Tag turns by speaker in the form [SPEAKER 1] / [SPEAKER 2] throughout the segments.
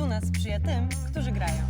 [SPEAKER 1] Fortuna sprzyja tym, którzy grają.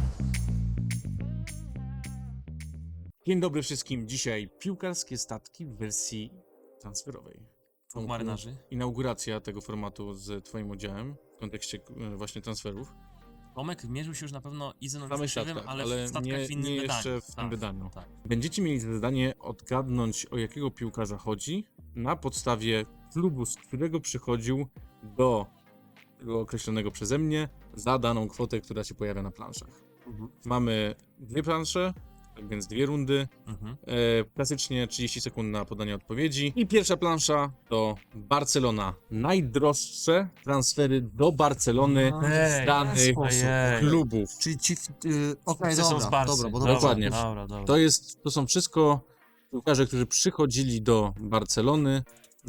[SPEAKER 2] Dzień dobry wszystkim. Dzisiaj piłkarskie statki w wersji transferowej.
[SPEAKER 3] Dwóch marynarzy.
[SPEAKER 2] Inauguracja tego formatu z twoim udziałem w kontekście właśnie transferów.
[SPEAKER 3] Tomek mierzył się już na pewno i z
[SPEAKER 2] W samych
[SPEAKER 3] Nowym
[SPEAKER 2] statkach,
[SPEAKER 3] ale
[SPEAKER 2] ale
[SPEAKER 3] w statkach
[SPEAKER 2] nie,
[SPEAKER 3] w innym
[SPEAKER 2] nie
[SPEAKER 3] wydaniu.
[SPEAKER 2] jeszcze w tym
[SPEAKER 3] Tak,
[SPEAKER 2] wydaniu.
[SPEAKER 3] tak.
[SPEAKER 2] Będziecie mieli zadanie odgadnąć, o jakiego piłkarza chodzi na podstawie klubu, z którego przychodził do tego określonego przeze mnie za daną kwotę, która się pojawia na planszach. Mamy dwie plansze, tak więc dwie rundy.
[SPEAKER 3] Mhm.
[SPEAKER 2] Klasycznie 30 sekund na podanie odpowiedzi. I pierwsza plansza to Barcelona. Najdroższe transfery do Barcelony z danych
[SPEAKER 3] ojej.
[SPEAKER 2] klubów.
[SPEAKER 4] Czyli ci...
[SPEAKER 3] Okej, są z Barcy.
[SPEAKER 4] dobra, bo
[SPEAKER 2] Dokładnie.
[SPEAKER 3] Dobra.
[SPEAKER 2] To są wszystko piłkarze, którzy przychodzili do Barcelony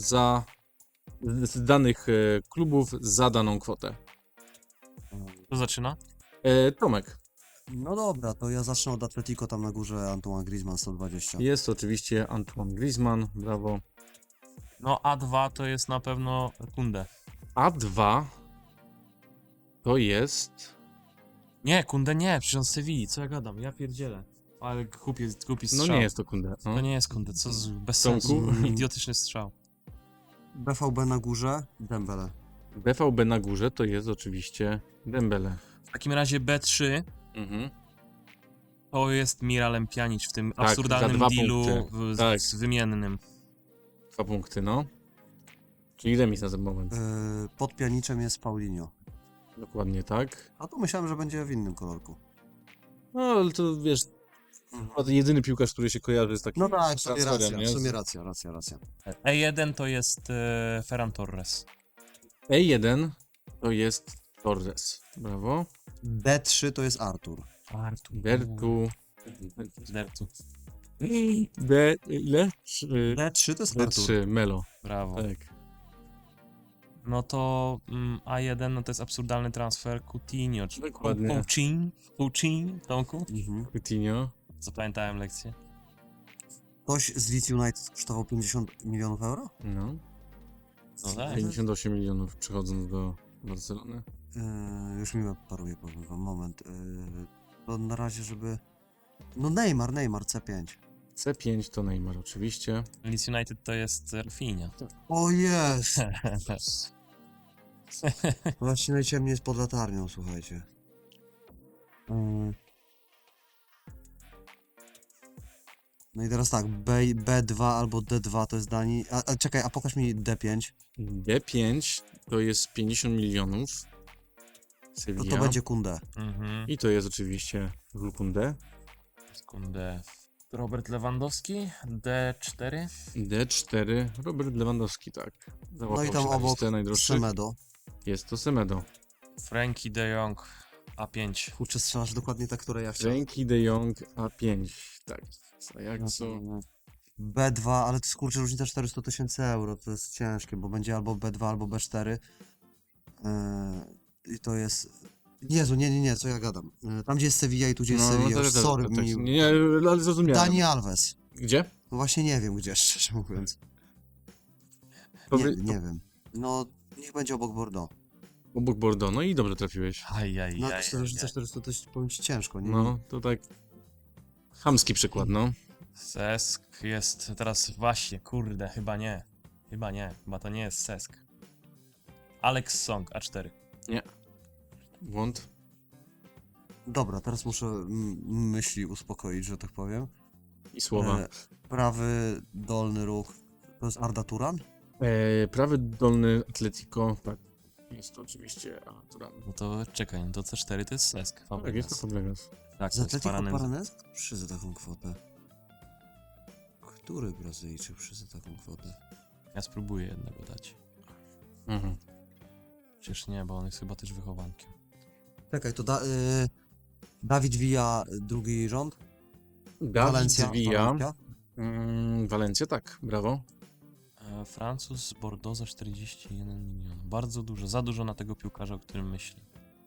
[SPEAKER 2] z danych klubów za daną kwotę.
[SPEAKER 3] Kto zaczyna?
[SPEAKER 2] Tomek.
[SPEAKER 4] No dobra, to ja zacznę od Atletico, tam na górze Antoine Griezmann 120.
[SPEAKER 2] Jest oczywiście Antoine Griezmann, brawo.
[SPEAKER 3] No A2 to jest na pewno Kunde.
[SPEAKER 2] A2 to jest...
[SPEAKER 3] Nie, Kunde nie, przecież on z Sewilli, co ja gadam, ja pierdzielę. Ale głupi
[SPEAKER 2] No
[SPEAKER 3] strzał.
[SPEAKER 2] nie jest to Kunde. No.
[SPEAKER 3] To nie jest Kunde, co z... bez
[SPEAKER 2] Tomku?
[SPEAKER 3] sensu, idiotyczny strzał.
[SPEAKER 4] BVB na górze, Dembele.
[SPEAKER 2] BVB na górze to jest oczywiście Dembele.
[SPEAKER 3] W takim razie B3
[SPEAKER 2] Mhm.
[SPEAKER 3] to jest Miralem Pjanic w tym
[SPEAKER 2] Tak,
[SPEAKER 3] absurdalnym
[SPEAKER 2] za 2
[SPEAKER 3] dealu
[SPEAKER 2] punkty. Tak.
[SPEAKER 3] z wymiennym.
[SPEAKER 2] 2 punkty, no. Czyli remis na ten moment.
[SPEAKER 4] Pod Pjaniczem jest Paulinho.
[SPEAKER 2] Dokładnie tak.
[SPEAKER 4] A tu myślałem, że będzie w innym kolorku.
[SPEAKER 2] No, ale to wiesz, chyba to jedyny piłkarz, który się kojarzy z takim
[SPEAKER 4] No tak, w sumie
[SPEAKER 2] transferem,
[SPEAKER 4] racja,
[SPEAKER 2] nie?
[SPEAKER 4] w sumie racja.
[SPEAKER 3] E1 to jest Ferran Torres.
[SPEAKER 2] E1 to jest Torres. Brawo.
[SPEAKER 4] B3 to jest Artur.
[SPEAKER 2] Bertu.
[SPEAKER 3] Dertu.
[SPEAKER 2] B... ile?
[SPEAKER 4] B3 to jest Artur.
[SPEAKER 2] B3, Melo.
[SPEAKER 3] Brawo.
[SPEAKER 2] Tak.
[SPEAKER 3] No to A1 no to jest absurdalny transfer Coutinho. Czy
[SPEAKER 2] Dokładnie.
[SPEAKER 3] Coutinho, Tomku?
[SPEAKER 4] Mhm.
[SPEAKER 2] Coutinho.
[SPEAKER 3] Zapamiętałem lekcję.
[SPEAKER 4] Ktoś z Leeds United kosztował 50 milionów euro?
[SPEAKER 2] No.
[SPEAKER 3] No tak.
[SPEAKER 2] 58 milionów przychodząc do Barcelony.
[SPEAKER 4] Już mi paruje, powiem wam, moment. To na razie, żeby... No Neymar C5.
[SPEAKER 2] C5 to Neymar oczywiście.
[SPEAKER 3] Leeds United to jest Rafinha.
[SPEAKER 4] O jest! Właśnie najciemniej jest pod latarnią, słuchajcie. No i teraz tak, B2 albo D2 to jest Dani. A czekaj, a pokaż mi D5.
[SPEAKER 2] D5 to jest 50 milionów.
[SPEAKER 4] No
[SPEAKER 2] Sevilla.
[SPEAKER 4] to będzie Kunde.
[SPEAKER 3] Mhm.
[SPEAKER 2] I to jest oczywiście Vulkunde.
[SPEAKER 3] Sekundę. Robert Lewandowski, D4.
[SPEAKER 2] D4, Robert Lewandowski, tak. Załapał
[SPEAKER 4] No i tam
[SPEAKER 2] się na
[SPEAKER 4] obok
[SPEAKER 2] listę najdroższych.
[SPEAKER 4] Semedo.
[SPEAKER 2] Jest to Semedo.
[SPEAKER 3] Frankie de Jong, A5.
[SPEAKER 4] Kurczę, strzelasz dokładnie tak, które ja chciałem.
[SPEAKER 2] Frankie de Jong, A5. Tak. A jak co?
[SPEAKER 4] B2, ale to jest kurczę różnica 400 000 euro, to jest ciężkie, bo będzie albo B2, albo B4. I to jest... Jezu, nie, co ja gadam. Tam gdzie jest Sevilla i tu gdzie jest Sevilla, już sorry mi...
[SPEAKER 2] Nie, ale zrozumiałem.
[SPEAKER 4] Dani Alves.
[SPEAKER 2] Gdzie?
[SPEAKER 4] No właśnie nie wiem gdzie, szczerze mówiąc. Nie wiem. No, niech będzie obok Bordeaux.
[SPEAKER 2] Obok Bordeaux, no i dobrze trafiłeś.
[SPEAKER 4] No, jak to różnica 400 to jest, powiem ci, ciężko, nie?
[SPEAKER 2] No, to tak... Chamski przykład, no.
[SPEAKER 3] Sesk jest teraz właśnie, kurde, chyba nie. Chyba to nie jest Sesk. Alex Song, A4.
[SPEAKER 2] Błąd.
[SPEAKER 4] Dobra, teraz muszę myśli uspokoić, że tak powiem.
[SPEAKER 2] I słowa.
[SPEAKER 4] Prawy dolny róg, to jest Arda Turan?
[SPEAKER 2] Prawy dolny Atletico, tak. Jest to oczywiście Turan.
[SPEAKER 3] No to czekaj, to C4 to jest Sesk.
[SPEAKER 2] Tak, jest to Fabregas.
[SPEAKER 3] Tak,
[SPEAKER 4] Z
[SPEAKER 3] to jest
[SPEAKER 4] Atletico
[SPEAKER 3] Paranense.
[SPEAKER 4] Paranense? Przyzę taką kwotę. Który Brazylijczyk przyzę taką kwotę?
[SPEAKER 3] Ja spróbuję jednego dać.
[SPEAKER 2] Mhm.
[SPEAKER 3] Przecież nie, bo on jest chyba też wychowankiem.
[SPEAKER 4] Czekaj, to Dawid Villa, drugi rząd?
[SPEAKER 2] Dawid Villa.
[SPEAKER 4] Valencia?
[SPEAKER 2] Walencja, tak, brawo.
[SPEAKER 3] Francuz z Bordeaux za 41 milionów. Bardzo dużo, za dużo na tego piłkarza, o którym myśli.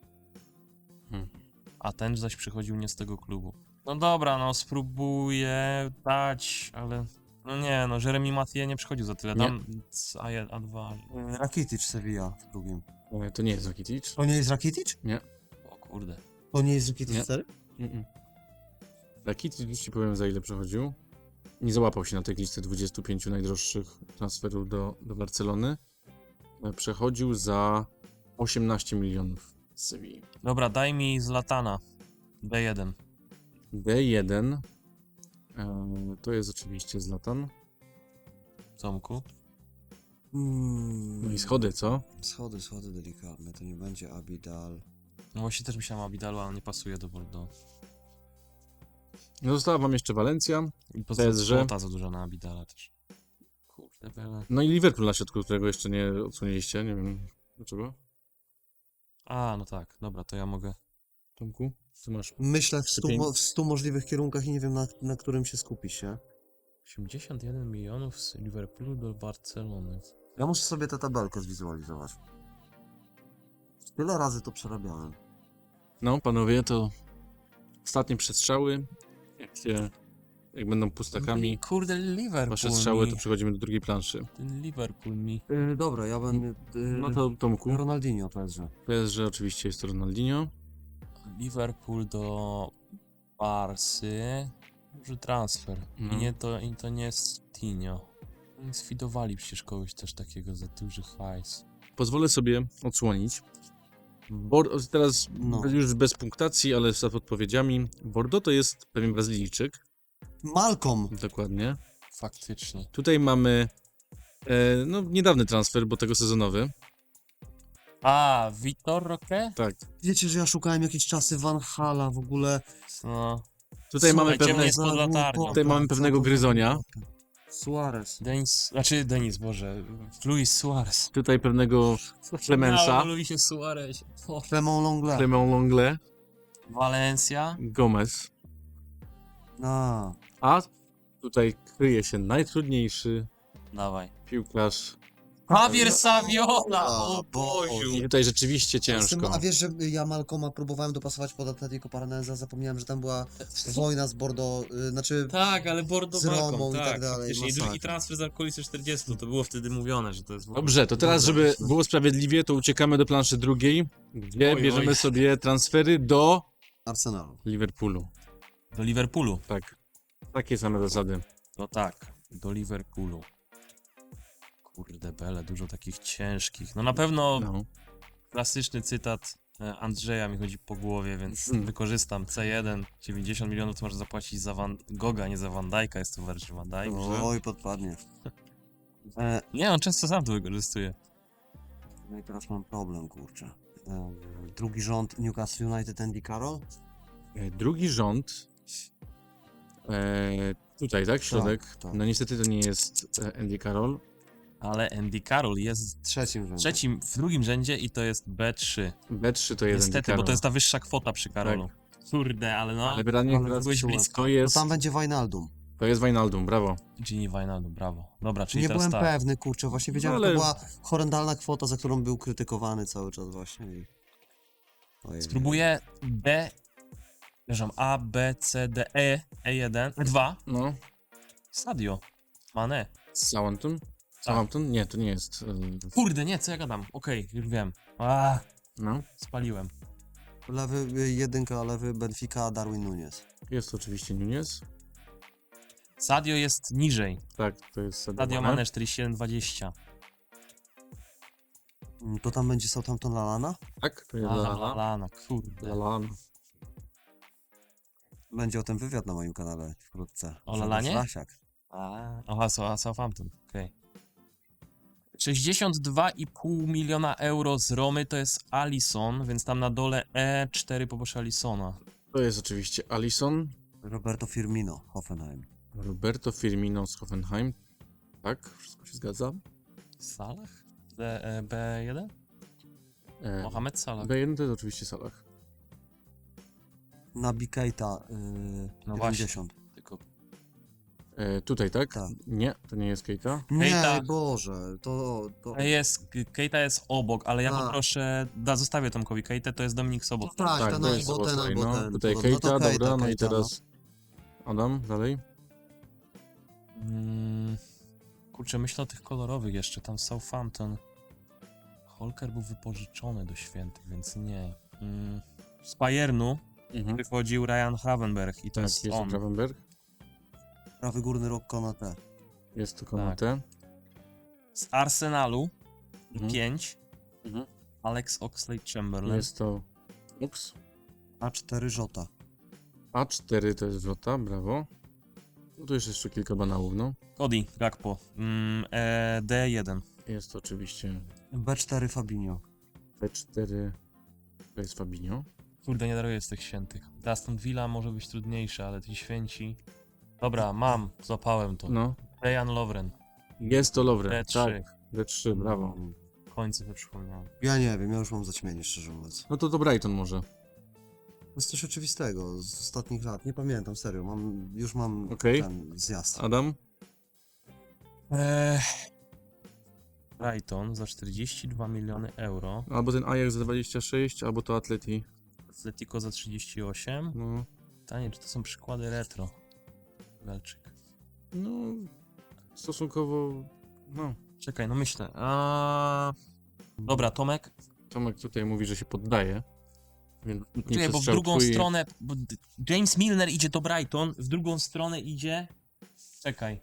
[SPEAKER 3] A ten zaś przychodził nie z tego klubu. No dobra, no spróbuję dać, ale... No nie, no Jeremy Mathieu nie przychodził za tyle. Dam A1, A2.
[SPEAKER 4] Rakitic Sevilla w drugim.
[SPEAKER 2] To nie jest Rakitic.
[SPEAKER 4] To nie jest Rakitic?
[SPEAKER 3] O Kurde.
[SPEAKER 4] To nie jest Rakitic
[SPEAKER 2] Nie.
[SPEAKER 4] 4?
[SPEAKER 2] Rakitic, już ci powiem za ile przechodził. Nie załapał się na tej listy 25 najdroższych transferów do Barcelony. Przechodził za 18 milionów z Sewilli.
[SPEAKER 3] Dobra, daj mi Zlatana. D1.
[SPEAKER 2] D1 to jest oczywiście Zlatan.
[SPEAKER 3] Tomku.
[SPEAKER 2] No i schody, co?
[SPEAKER 4] Schody delikatne, to nie będzie Abidal.
[SPEAKER 3] No właśnie też myślałem o Abidalu, ale nie pasuje do Bordeaux.
[SPEAKER 2] No została wam jeszcze Walencja.
[SPEAKER 3] I poza tym
[SPEAKER 2] PSG.
[SPEAKER 3] kwota za duża na Abidala też. Kurde, bele.
[SPEAKER 2] No i Liverpool na środku, którego jeszcze nie odsłoniliście. Nie wiem dlaczego.
[SPEAKER 3] A, no tak. Dobra, to ja mogę.
[SPEAKER 2] Tomku, co masz?
[SPEAKER 4] Myślę w 100,
[SPEAKER 2] Lepiej.
[SPEAKER 4] w 100 możliwych kierunkach i nie wiem na którym się skupić, nie?
[SPEAKER 3] 81 milionów z Liverpoolu do Barcelony.
[SPEAKER 4] Ja muszę sobie tę tabelkę zwizualizować. Tyle razy to przerabiałem.
[SPEAKER 2] No, panowie, to ostatnie przestrzały. Jak będą pustakami
[SPEAKER 3] Kurde, Liverpool
[SPEAKER 2] wasze strzały,
[SPEAKER 3] mi.
[SPEAKER 2] to przechodzimy do drugiej planszy.
[SPEAKER 3] Ten Liverpool mi.
[SPEAKER 4] Dobra, ja będę...
[SPEAKER 2] No to Tomku,
[SPEAKER 4] Ronaldinho PSG.
[SPEAKER 2] PSG oczywiście jest to Ronaldinho.
[SPEAKER 3] Liverpool do Barsy. Duży transfer.
[SPEAKER 2] No.
[SPEAKER 3] I to nie jest Tinio. Oni sfidowali przecież kogoś też takiego za duży hajs.
[SPEAKER 2] Pozwolę sobie odsłonić. Teraz
[SPEAKER 4] No.
[SPEAKER 2] już bez punktacji, ale z odpowiedziami. Bordeaux to jest pewien Brazylijczyk,
[SPEAKER 4] Malcolm!
[SPEAKER 2] dokładnie.
[SPEAKER 3] Faktycznie.
[SPEAKER 2] Tutaj mamy no, niedawny transfer, bo tego sezonowy.
[SPEAKER 3] A, Vitor Roque?
[SPEAKER 2] Tak.
[SPEAKER 4] Wiecie, że ja szukałem jakieś czasy Van Hala w ogóle.
[SPEAKER 3] No.
[SPEAKER 2] Tutaj mamy
[SPEAKER 3] Słuchaj, ciemny
[SPEAKER 2] pewne,
[SPEAKER 3] jest pod latarnią.
[SPEAKER 2] Tutaj mamy pewnego gryzonia.
[SPEAKER 4] Suarez.
[SPEAKER 3] Denis, Boże. Luis Suarez.
[SPEAKER 2] Tutaj pewnego Clemensa,
[SPEAKER 3] Luisie Suarez.
[SPEAKER 4] Clement Longley.
[SPEAKER 2] Clement Longley,
[SPEAKER 3] Valencia.
[SPEAKER 2] Gomez.
[SPEAKER 4] A,
[SPEAKER 2] A tutaj kryje się najtrudniejszy
[SPEAKER 3] Dawaj.
[SPEAKER 2] piłkarz.
[SPEAKER 3] Javier Saviola!
[SPEAKER 4] O
[SPEAKER 3] O Boziu!
[SPEAKER 2] I tutaj rzeczywiście ciężko.
[SPEAKER 4] A wiesz, że ja Malcoma próbowałem dopasować pod Atletico Paranaense, zapomniałem, że tam była wojna z Bordeaux, znaczy...
[SPEAKER 3] Tak, ale Bordeaux
[SPEAKER 4] Z Romą
[SPEAKER 3] walką,
[SPEAKER 4] i tak dalej,
[SPEAKER 3] faktycznie. I
[SPEAKER 4] masakra.
[SPEAKER 3] drugi transfer za okolice 40, to było wtedy mówione, że to jest...
[SPEAKER 2] Dobrze, to teraz, żeby było sprawiedliwie, to uciekamy do planszy drugiej, gdzie
[SPEAKER 3] Oj,
[SPEAKER 2] bierzemy
[SPEAKER 3] oj.
[SPEAKER 2] sobie transfery do
[SPEAKER 4] Arsenalu.
[SPEAKER 2] Liverpoolu.
[SPEAKER 3] Do Liverpoolu.
[SPEAKER 2] Tak. Takie same zasady.
[SPEAKER 3] No tak, do Liverpoolu. Kurde bele, dużo takich ciężkich. No na pewno
[SPEAKER 2] No.
[SPEAKER 3] klasyczny cytat Andrzeja mi chodzi po głowie, więc
[SPEAKER 2] Hmm.
[SPEAKER 3] wykorzystam C1. 90 milionów to można zapłacić za Van Gogha, nie za Van Dijk'a, jest to Virgil van Dijk.
[SPEAKER 4] Oj, podpadnie.
[SPEAKER 3] Nie, on często sam to wykorzystuje.
[SPEAKER 4] No i teraz mam problem, kurczę. Drugi rząd Newcastle United, Andy Carroll?
[SPEAKER 2] Drugi rząd. Tutaj, tak? Środek.
[SPEAKER 4] tak.
[SPEAKER 2] No niestety to nie jest Andy Carroll.
[SPEAKER 3] Ale Andy Carroll jest
[SPEAKER 4] Trzecim rzędzie.
[SPEAKER 3] w drugim rzędzie i to jest B3.
[SPEAKER 2] B3 to jest Andy
[SPEAKER 3] Niestety,
[SPEAKER 2] Carroll.
[SPEAKER 3] bo to jest ta wyższa kwota przy Karolu. Kurde, ale no.
[SPEAKER 2] Ale pytanie,
[SPEAKER 4] Ale
[SPEAKER 2] teraz
[SPEAKER 3] byłeś
[SPEAKER 2] to
[SPEAKER 3] blisko.
[SPEAKER 4] No
[SPEAKER 2] jest,
[SPEAKER 4] tam będzie Wijnaldum.
[SPEAKER 2] to jest Wijnaldum, brawo.
[SPEAKER 3] Gini Wijnaldum, brawo. Dobra, czyli
[SPEAKER 4] Nie
[SPEAKER 3] teraz
[SPEAKER 4] byłem
[SPEAKER 3] tak.
[SPEAKER 4] pewny, kurczę, właśnie wiedziałem,
[SPEAKER 2] No,
[SPEAKER 4] że
[SPEAKER 2] ale-
[SPEAKER 4] to była horrendalna kwota, za którą był krytykowany cały czas właśnie. Ojej.
[SPEAKER 3] Spróbuję D. Przepraszam, A, B, C, D, E, E1, E2.
[SPEAKER 2] No.
[SPEAKER 3] Sadio. Mane.
[SPEAKER 2] Southampton? Southampton? Nie, to nie jest.
[SPEAKER 3] Kurde, nie, co ja gadam? Okej, już wiem. A,
[SPEAKER 2] No.
[SPEAKER 3] spaliłem.
[SPEAKER 4] Lewy, jedynka, lewy, Benfica, Darwin Núñez.
[SPEAKER 2] Jest to oczywiście Nunez.
[SPEAKER 3] Sadio jest niżej.
[SPEAKER 2] Tak, to jest
[SPEAKER 3] Sadio Mane 47,20.
[SPEAKER 4] To tam będzie Southampton Lalana?
[SPEAKER 2] Tak, to jest
[SPEAKER 3] Aha,
[SPEAKER 2] Lallana.
[SPEAKER 3] Lallana, kurde.
[SPEAKER 2] Lallana.
[SPEAKER 4] Będzie o tym wywiad na moim kanale wkrótce.
[SPEAKER 3] O
[SPEAKER 4] Grzegorz
[SPEAKER 3] Lallanie?
[SPEAKER 4] Lasiak.
[SPEAKER 3] Aha, Southampton, okej. 62,5 miliona euro z Romy to jest Alisson, więc tam na dole E4 poproszę Alissona.
[SPEAKER 2] To jest oczywiście Alisson.
[SPEAKER 4] Roberto Firmino, Hoffenheim.
[SPEAKER 2] Roberto Firmino z Hoffenheim. Tak, wszystko się zgadza.
[SPEAKER 3] Salah? B1?
[SPEAKER 2] E,
[SPEAKER 3] Mohamed Salah.
[SPEAKER 2] B1 to jest oczywiście Salah.
[SPEAKER 4] Naby Keita,
[SPEAKER 3] No
[SPEAKER 4] 90.
[SPEAKER 3] Tylko
[SPEAKER 2] Tutaj, tak?
[SPEAKER 4] Tak.
[SPEAKER 2] Nie, to nie jest Keita.
[SPEAKER 4] Nie,
[SPEAKER 3] Keita.
[SPEAKER 4] Boże, to...
[SPEAKER 3] Keita jest obok, ale ja
[SPEAKER 4] A.
[SPEAKER 3] poproszę, zostawię Tomkowi Keitę, to jest Dominik Sobot.
[SPEAKER 4] Tak,
[SPEAKER 2] Tak,
[SPEAKER 4] ten
[SPEAKER 2] to jest
[SPEAKER 4] albo ten,
[SPEAKER 2] Szoboszlaj,
[SPEAKER 4] albo
[SPEAKER 2] no.
[SPEAKER 4] ten.
[SPEAKER 2] Tutaj
[SPEAKER 4] No to
[SPEAKER 2] Keita,
[SPEAKER 4] Keita,
[SPEAKER 2] dobra, no i
[SPEAKER 4] Keita,
[SPEAKER 2] teraz Adam, dalej.
[SPEAKER 3] Kurczę, myślę o tych kolorowych jeszcze, tam Southampton. Holker był wypożyczony do Świętych, więc nie. z Bayernu
[SPEAKER 2] Mhm.
[SPEAKER 3] wychodził Ryan Gravenberch i to
[SPEAKER 2] Tak,
[SPEAKER 3] jest
[SPEAKER 2] jest
[SPEAKER 3] on.
[SPEAKER 2] Gravenberg.
[SPEAKER 4] Prawy górny róg Konate.
[SPEAKER 2] Jest to Konate.
[SPEAKER 3] Z Arsenalu
[SPEAKER 2] Mhm.
[SPEAKER 3] 5
[SPEAKER 2] Mhm.
[SPEAKER 3] Alex Oxlade-Chamberlain.
[SPEAKER 2] Jest to Lux.
[SPEAKER 4] A4 Żota.
[SPEAKER 2] A4 to jest Wrota, brawo. No tu jest jeszcze kilka banałów, no.
[SPEAKER 3] Cody Gakpo. D1.
[SPEAKER 2] Jest to oczywiście
[SPEAKER 4] B4 Fabinho.
[SPEAKER 2] B4, to jest Fabinho.
[SPEAKER 3] Kurde, nie daruję z tych świętych. Aston Villa może być trudniejsza, ale ci święci... Dobra, mam, złapałem to.
[SPEAKER 2] No,
[SPEAKER 3] Dejan Lovren.
[SPEAKER 2] jest to Lovren,
[SPEAKER 3] D3.
[SPEAKER 2] tak. D3, brawo.
[SPEAKER 3] W końcu sobie przypomniałem.
[SPEAKER 4] Ja nie wiem, ja już mam zaćmienie, szczerze mówiąc.
[SPEAKER 2] No to Brighton może.
[SPEAKER 4] To jest coś oczywistego z ostatnich lat. Nie pamiętam, serio. Już mam
[SPEAKER 2] Okej.
[SPEAKER 4] ten zjazd.
[SPEAKER 2] Adam?
[SPEAKER 3] Brighton za 42 miliony euro.
[SPEAKER 2] Albo ten Ajax za 26, albo to Atleti.
[SPEAKER 3] Atletico za 38.
[SPEAKER 2] No,
[SPEAKER 3] Pytanie, czy to są przykłady retro? Galczyk.
[SPEAKER 2] no stosunkowo, no.
[SPEAKER 3] Czekaj, no myślę. Dobra, Tomek.
[SPEAKER 2] Tomek tutaj mówi, że się poddaje. Więc nie
[SPEAKER 3] Czekaj, bo w
[SPEAKER 2] przestrzał
[SPEAKER 3] drugą
[SPEAKER 2] twój-
[SPEAKER 3] stronę... Bo James Milner idzie do Brighton, w drugą stronę idzie... Czekaj.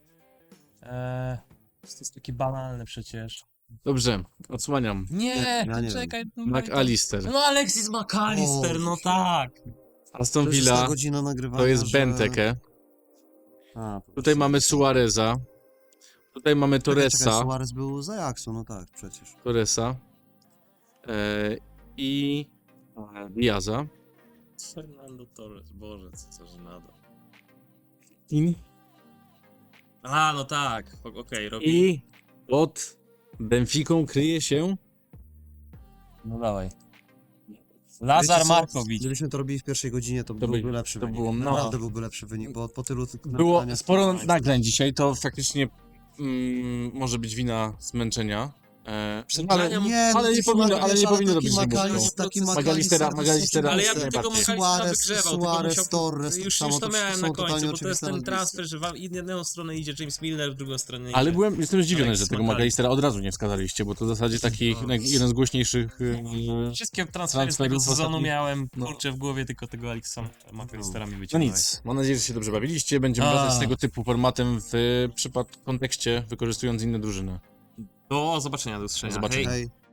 [SPEAKER 3] To jest takie banalne przecież.
[SPEAKER 2] Dobrze, odsłaniam.
[SPEAKER 3] Nie,
[SPEAKER 4] ja nie
[SPEAKER 3] czekaj.
[SPEAKER 2] McAllister.
[SPEAKER 3] No Alexis McAllister,
[SPEAKER 4] O,
[SPEAKER 3] no tak.
[SPEAKER 2] Aston
[SPEAKER 4] To już jest
[SPEAKER 2] Villa,
[SPEAKER 4] ta godzina nagrywania,
[SPEAKER 2] to jest
[SPEAKER 4] że-
[SPEAKER 2] Benteke.
[SPEAKER 4] A, to
[SPEAKER 2] Tutaj
[SPEAKER 4] już-
[SPEAKER 2] mamy Suareza. Tutaj mamy
[SPEAKER 4] Czekaj,
[SPEAKER 2] Torresa.
[SPEAKER 4] Suarez był z Ajaxu, no tak, przecież.
[SPEAKER 2] Torresa. I Diaza.
[SPEAKER 3] Fernando Torres, Boże, co za żenada.
[SPEAKER 2] I
[SPEAKER 3] No tak, okej, robi.
[SPEAKER 2] I pod Benficą kryje się
[SPEAKER 3] No dawaj. Lazar
[SPEAKER 4] Wiecie co?
[SPEAKER 3] Markowicz.
[SPEAKER 4] Gdybyśmy to robili w pierwszej godzinie, to byłby lepszy
[SPEAKER 2] to
[SPEAKER 4] wynik.
[SPEAKER 2] było- no.
[SPEAKER 4] Naprawdę byłby lepszy wynik, bo po tylu...
[SPEAKER 2] było
[SPEAKER 4] nagraniach-
[SPEAKER 2] sporo nagrań dzisiaj, to faktycznie może być wina zmęczenia. Ale
[SPEAKER 4] Nie,
[SPEAKER 2] ale nie powinno, ale nie powinno robić
[SPEAKER 4] taki
[SPEAKER 2] Magallistera,
[SPEAKER 3] Ale ja bym
[SPEAKER 2] najbardziej.
[SPEAKER 3] tego Magalistera
[SPEAKER 4] Suarez,
[SPEAKER 3] wygrzewał, tylko
[SPEAKER 4] Suarez,
[SPEAKER 3] musiał...
[SPEAKER 4] Torres,
[SPEAKER 3] Już
[SPEAKER 4] samo
[SPEAKER 3] to
[SPEAKER 4] to
[SPEAKER 3] miałem
[SPEAKER 4] są
[SPEAKER 3] na
[SPEAKER 4] totalnie
[SPEAKER 3] końcu, bo to jest
[SPEAKER 4] oczywiste
[SPEAKER 3] ten
[SPEAKER 4] nazwiska.
[SPEAKER 3] transfer, że w jedną stronę idzie James Milner, w drugą stronę idzie...
[SPEAKER 2] Ale jestem zdziwiony,
[SPEAKER 3] Alex
[SPEAKER 2] że tego
[SPEAKER 3] McAllister.
[SPEAKER 2] Magallistera od razu nie wskazaliście, bo to w zasadzie taki jeden z głośniejszych.
[SPEAKER 3] Wszystkie transfery z tego
[SPEAKER 2] transferów
[SPEAKER 3] sezonu
[SPEAKER 2] ostatnich.
[SPEAKER 3] miałem,
[SPEAKER 2] No.
[SPEAKER 3] kurczę, w głowie tylko tego Alexa McAllistera mi
[SPEAKER 2] No
[SPEAKER 3] wyciągnąłeś.
[SPEAKER 2] nic, mam nadzieję, że się dobrze bawiliście. Będziemy wracać z tego typu formatem w kontekście, wykorzystując inne drużyny.
[SPEAKER 3] Do zobaczenia, do usłyszenia.
[SPEAKER 2] Do zobaczenia.
[SPEAKER 3] Hej.
[SPEAKER 4] Hej.